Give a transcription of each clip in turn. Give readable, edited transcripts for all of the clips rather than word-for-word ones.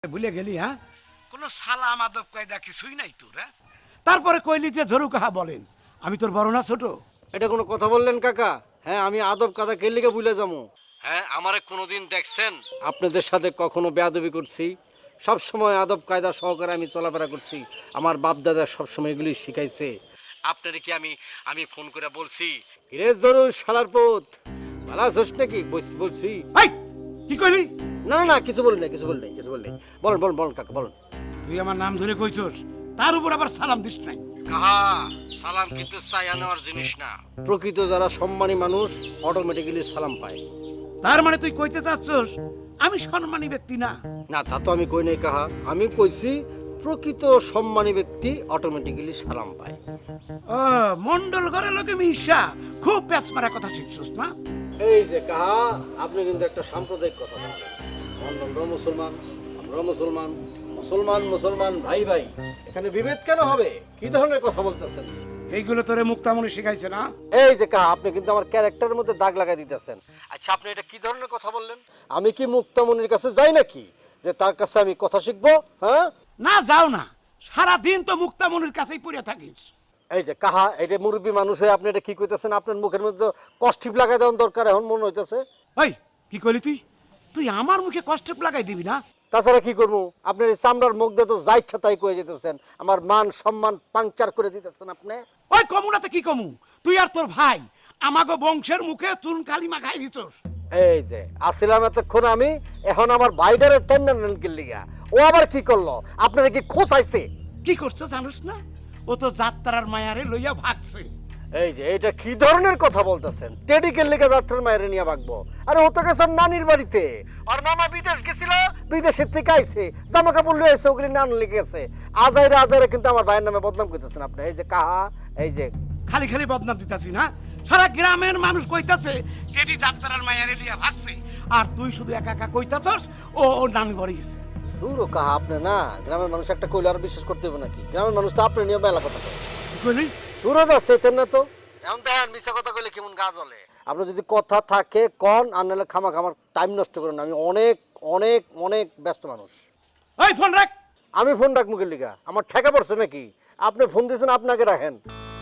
ভুলে গেলি? হ্যাঁ, কোনো সালাম আদব কায়দা কিছুই নাই তোর। হ্যাঁ, তারপরে কইলি যে ঝরু কাহা বলেন, আমি তোর বড় না ছোট? এটা কোনো কথা বললেন কাকা? হ্যাঁ, আমি আদব কাদা কে লিগে ভুলে যাবো? হ্যাঁ, আমারে কোনোদিন দেখছেন আপনাদের সাথে কখনো বেয়াদবি করছি? সব সময় আদব কায়দা সহকারে আমি চলাফেরা করছি। আমার বাপ দাদা সবসময় এগুলি শিখাইছে। আপনারে কি আমি আমি ফোন করে বলছি কিরে জরুর শালার পুত ভালো আছিস নাকি? বলছি। এই, কি কইলি? না না না, কিছু বলি না, কিছু বলি নাই, কিছু বলি নাই। বলেন বলেন বলেন কাকা, বলেন। তুই আমার নাম ধরে কইছস, তার উপর আবার সালাম দিস নাই? কাহা, সালাম কিন্তু চাইয়া নেওয়ার জিনিস না। প্রকৃত যারা সম্মানী মানুষ অটোমেটিক্যালি সালাম পায়। তার মানে তুই কইতে চাচ্ছস আমি সম্মানী ব্যক্তি না? না, তা তো আমি কই নাই কাহা। আমি কইছি প্রকৃত সম্মানী ব্যক্তি অটোমেটিক্যালি সালাম পায়। ও, মন্ডল ঘরে লোকে মিশা খুব প্যাচ মারা কথা শিখছস না? এই যে কাহা, আপনি কিন্তু একটা সাম্প্রদায়িক কথা বললেন। মন্ডলরা মুসলমান, আমরা মুসলমান, মুসলমান মুসলমান ভাই ভাই, এখানে বিভেদ কেন হবে? কি ধরনের কথা বলতেছেন? এইগুলো তোরে মুক্তামণি শিখাইছে না? এই যে কাহা, আপনি কিন্তু আমার ক্যারেক্টারের মধ্যে দাগ লাগাই দিতেছেন। আচ্ছা, আপনি এটা কি ধরনের কথা বললেন? আমি কি মুক্তামণির কাছে যাই নাকি যে তার কাছে আমি কথা শিখবো? হ্যাঁ, না, যাও না, সারাদিন তো মুক্তামণির কাছেই পড়ে থাকিস। এই যে কাহা, এটা মুরব্বী মানুষ হয়ে আপনি এটা কি কইতেছেন? আপনার মুখের মধ্যে কষ্টিপ লাগাই দেওয়ার দরকার এখন মনে হইতেছে। ওই, কি কইলি তুই? তুই আমার মুখে কষ্টেপ লাগাই দিবি না? তাছাড়া কি করবো? আপনার এই চামড়ার মুখ দিয়ে তো যা ইচ্ছা তাই কয়ে যেতেছেন। আমার মান সম্মান পাংচার করে দিতেছেন আপনি। ওই কমুনাতে কি কমু? তুই আর তোর ভাই আমাগো বংশের মুখে চুন কালি মাখাই দিছস। এই যে আসিলাম এতক্ষণ আমি, এখন আমার বাইডারের টেন্ডার লিগা ও আবার কি করলো? আপনারা কি খোঁচাইছে? কি করছো জানোস না? ও তো যাত্রার মায়ারে লইয়া ভাগছে। এই যে এটা কি ধরনের কথা বলতেছেন? টেডিকের লিগে যাত্রার মায়ের নিয়ে ভাগবো? আরে ও তো গেছে নানির বাড়িতে। আর মামা বিদেশ গেছিল, বিদেশের থেকে আইছে, জামা কাপড় লয়ে এসে ওগুলি নান লিগে গেছে। আজাইরা আজাইরা কিন্তু আমার ভাইয়ের নামে বদনাম করতেছেন আপনি। এই যে কাহা, এই যে খালি খালি বদনাম দিতাছি না? সারা গ্রামের মানুষ কইতাছে টেডি যাত্রার মায়ারে লইয়া ভাগছে, আর তুই শুধু একা একা কইতাছস ও নানি বাড়ি গেছে। দূরও কাহা, আপনি না গ্রামের মানুষ একটা কইলে আর বিশ্বাস করতে হবে নাকি? গ্রামের মানুষ তো আপনি নিয়ে মেলা কথা কয়। কি কইলি? দূরও যাচ্ছে না তো। এখন দেখেন মিশা কথা কইলে কেমন গা জ্বলে। আপনার যদি কথা থাকে কন, আর নাহলে খামা খামার টাইম নষ্ট করেন। আমি অনেক অনেক অনেক ব্যস্ত মানুষ। ওই ফোন রাখ। আমি ফোন রাখ মুখের লিগা? আমার ঠেকা পড়ছে নাকি? আপনি ফোন দিয়েছেন, আপনাকে রাখেন।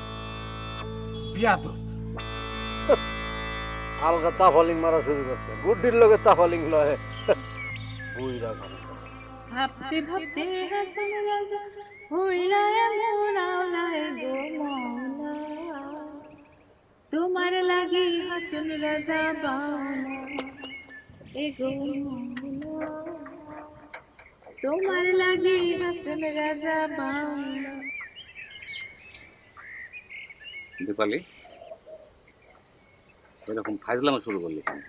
বিয়া তো আলগা তাফালিং মারা শুরু করছে। গুড্ডির লগে তাফালিং লয়। বুই রাখেন। ভাবতে ভাবতে হাসন রাজা হইলা এমন আওলায় গো মওলা, তোমার লাগি হাসন রাজা বাউলা এ গো মওলা, তোমার লাগি হাসন রাজা বাউলা। দীপালি, এরকম ফাইজলামো শুরু করলি কেন?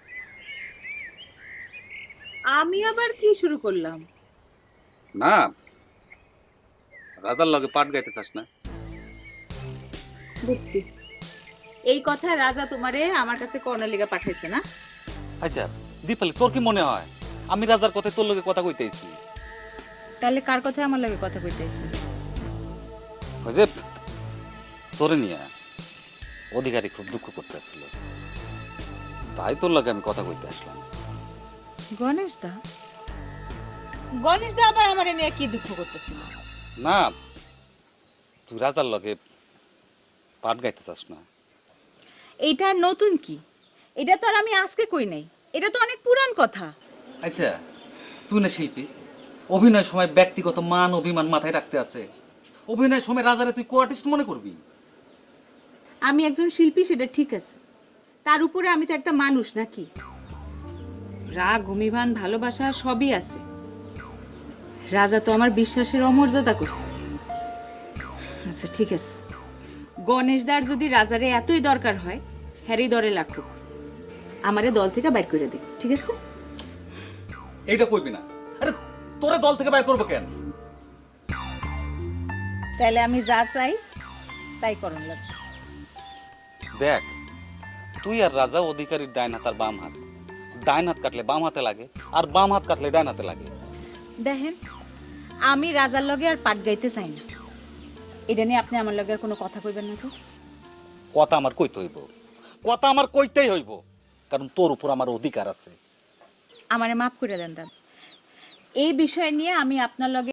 আমি আবার কি শুরু করলাম? না, রাজার লগে পাট গাইতে চাস না? বুঝছি, এই কথা রাজা তোমারে আমার কাছে কর্ণলিগা পাঠাইছে না? আচ্ছা দীপালি, তোর কি মনে হয় আমি রাজার কথায় তোর লগে কথা কইতেছি? তাহলে কার কথায় আমার লাগে কথা কইতেছে? ওই যে তোরে নিয়ে অধিকারী খুব দুঃখ করতেছিল, তাই তোর লগে আমি কথা কইতে আসলাম। গণেশ দা? গণেশ দা আবার আমার নিয়ে কি দুঃখ করতেছিল? না, তুই রাজার লগে পাট গাইতে চাস না? এইটা নতুন কি? এটা তো আর আমি আজকে কই নাই, এটা তো অনেক পুরান কথা। আচ্ছা, তুই না শিল্পী, অভিনয়ের সময় ব্যক্তিগত মান অভিমান মাথায় রাখতে আছে। অভিনয়ের সময় রাজারে তুই কো-আর্টিস্ট মনে করবি? আমি একজন শিল্পী, সেটা ঠিক আছে, তার উপরে আমি তো একটা মানুষ নাকি? রাগ অভিমান ভালোবাসা সবই আছে। রাজা তো আমার বিশ্বাসের অমর্যাদা করছে। আচ্ছা ঠিক আছে, গণেশদার যদি রাজারে এতই দরকার হয়, হ্যারি দরে লাগুক, আমারে দল থেকে বাইর করে দিক, ঠিক আছে? এইটা কইবি না। আরে তোরে দল থেকে বাইর করবো কেন? তাহলে আমি যা চাই তাই করণ লাগবে। দেখ, তুই আর রাজা অধিকারীর ডাইন হাত আর বাম হাত। ডাইন হাত কাটলে বাম হাতে লাগে, আর বাম হাত কাটলে ডাইন হাতে লাগে। দেখেন, আমি রাজার লগে আর পাট গাইতে চাই না। এটা নিয়ে আপনি আমার লগে আর কোনো কথা কইবেন না তো? কথা আমার কইতে হইব, কথা আমার কইতেই হইব, কারণ তোর উপর আমার অধিকার আছে। আমারে মাফ করে দেন দাদা, এই বিষয় নিয়ে আমি আপনার লগে